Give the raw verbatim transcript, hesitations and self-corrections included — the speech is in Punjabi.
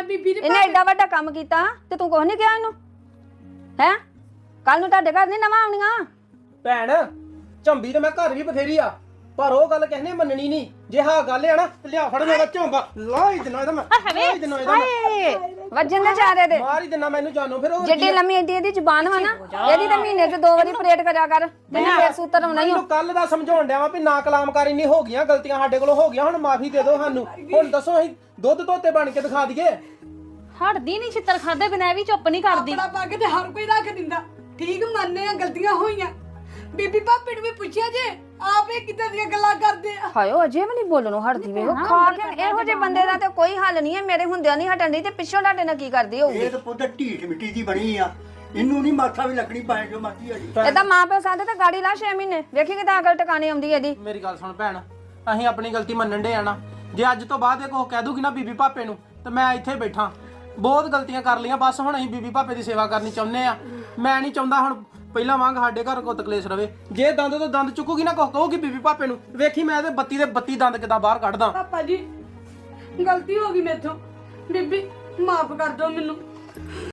ਬੀਬੀ ਨੇ ਇਹਨੇ ਐਡਾ ਵੱਡਾ ਕੰਮ ਕੀਤਾ ਤੇ ਤੂੰ ਕੁਛ ਨਹੀਂ ਕਿਹਾ ਇਹਨੂੰ ਹੈ ਕੱਲ ਨੂੰ ਤੁਹਾਡੇ ਘਰ ਨਹੀਂ ਨਵਾਂ ਆਉਣੀਆਂ ਭੈਣ ਝੰਬੀ ਤੇ ਮੈਂ ਘਰ ਵੀ ਬਥੇਰੀ ਆ ਪਰ ਉਹ ਗੱਲ ਕਿਸੇ ਨੇ ਮੰਨਣੀ ਨਹੀਂ ਜੇ ਹਾਂ ਗੱਲ ਆ ਨਾ ਤੇ ਲਿਆ ਫੜ ਮੇਰਾ ਝੰਬਾ ਲਾ ਹੀ ਦਿਨਾ ਇਹਦਾ ਮੈਂ ਲਾ ਹੀ ਦਿਨਾ ਇਹਦਾ ਮੈਂ ਵੱਜਣ ਦੇ ਚਾਰੇ ਦੇ ਮਾਰ ਹੀ ਦਿਨਾ ਮੈਨੂੰ ਜਾਨੋ ਫਿਰ ਉਹ ਜਿੱਡੀ ਲੰਮੀ ਏਡੀ ਇਹਦੀ ਜ਼ੁਬਾਨ ਵਾ ਨਾ ਇਹਦੀ ਤਾਂ ਮਹੀਨੇ ਚ ਦੋ ਵਾਰੀ ਪਰੇਡ ਕਰਿਆ ਕਰ ਤੈਨੂੰ ਫੇਰ ਸੂਤਰ ਆਉਣਾ ਹੀ ਮੈਨੂੰ ਕੱਲ ਦਾ ਸਮਝਾਉਣ ਡਿਆ ਵਾ ਵੀ ਨਾ ਕਲਾਮਕਾਰੀ ਨਹੀਂ ਹੋ ਗਈਆਂ ਗਲਤੀਆਂ ਸਾਡੇ ਕੋਲੋਂ ਹੋ ਗਈਆਂ ਹੁਣ ਮਾਫੀ ਦੇ ਦਿਓ ਸਾਨੂੰ ਹੁਣ ਦੱਸੋ ਅਸੀਂ ਦੁੱਧ ਧੋਤੇ ਬਣ ਕੇ ਦਿਖਾ ਦਈਏ ਹਟਦੀ ਨਹੀਂ ਛਿੱਤਰ ਖਾਦੇ ਬਿਨਾਂ ਵੀ ਚੁੱਪ ਨਹੀਂ ਕਰਦੀ ਆਪਣਾ ਪੱਗ ਤੇ ਹਰ ਕੋਈ ਰੱਖ ਦਿੰਦਾ ਠੀਕ ਮੰਨਨੇ ਆ ਗਲਤੀਆਂ ਹੋਈਆਂ ਬੀਬੀ ਭਾਪੀ ਨੂੰ ਵੀ ਪੁੱਛਿਆ ਜੇ ਆਪੇ ਕਿੱਦਾਂ ਦੀਆਂ ਗੱਲਾਂ ਕਰਦੇ ਆ ਹਾਇਓ ਅਜੇ ਵੀ ਨਹੀਂ ਬੋਲਣੋਂ ਹਟਦੀ ਵੇਖੋ ਖਾ ਕੇ ਇਹੋ ਜਿਹੇ ਬੰਦੇ ਦਾ ਤੇ ਕੋਈ ਹੱਲ ਨਹੀਂ ਹੈ ਮੇਰੇ ਹੁੰਦਿਆਂ ਨਹੀਂ ਹਟਣ ਦੀ ਤੇ ਪਿੱਛੋਂ ਤੁਹਾਡੇ ਨਾਲ ਕੀ ਕਰਦੀ ਹੋਊਗੀ ਇਹ ਤਾਂ ਪੁੱਤ ਢੀਠ ਮਿੱਟੀ ਦੀ ਬਣੀ ਆ ਇਹਨੂੰ ਨਹੀਂ ਮਾਥਾ ਵੀ ਲੱਗਣੀ ਪਾਏ ਜੋ ਮਰਜ਼ੀ ਆ ਜੀ ਇਹਦਾ ਮਾਂ ਪਿਓ ਸਾਦੇ ਤੇ ਗਾੜੀ ਲਾ ਛੇ ਮਹੀਨੇ ਵੇਖੀ ਕਿਦਾਂ ਅਕਲ ਟਿਕਾਣੇ ਆਉਂਦੀ ਇਹਦੀ ਮੇਰੀ ਗੱਲ ਸੁਣ ਭੈਣ ਅਸੀਂ ਆਪਣੀ ਗਲਤੀ ਮੰਨਣ ਦੇ ਆਣਾ ਜੇ ਅੱਜ ਤੋਂ ਬਾਅਦ ਇਹ ਕੋ ਕਹਿ ਦੂਗੀ ਨਾ ਬੀਬੀ ਭਾਪੇ ਨੂੰ ਤੇ ਮੈਂ ਇੱਥੇ ਬੈਠਾ ਬਹੁਤ ਗਲਤੀਆਂ ਕਰ ਲਈਆਂ ਬਸ ਹੁਣ ਅਸੀਂ ਬੀਬੀ ਭਾਪੇ ਦੀ ਸੇਵਾ ਕਰਨੀ ਚਾਹੁੰਦੇ ਆ ਮੈਂ ਨਹੀਂ ਚਾਹੁੰਦਾ ਹੁਣ ਪਹਿਲਾਂ ਵਾਂਗ ਸਾਡੇ ਘਰ ਕੋ ਤਕਲੇਸ਼ ਰਵੇ ਜੇ ਦੰਦ ਤੋਂ ਦੰਦ ਚੁੱਕੂਗੀ ਨਾ ਕੋ ਕਹੂਗੀ ਬੀਬੀ ਭਾਪੇ ਨੂੰ ਵੇਖੀ ਮੈਂ ਇਹਦੇ ਬੱਤੀ ਦੇ ਬੱਤੀ ਦੰਦ ਕਿਦਾਂ ਬਾਹਰ ਕੱਢਦਾ ਪਾਪਾ ਜੀ ਗਲਤੀ ਹੋ ਗਈ ਮੇਥੋਂ ਬੀਬੀ ਮਾਫ ਕਰ ਦਿਓ ਮੈਨੂੰ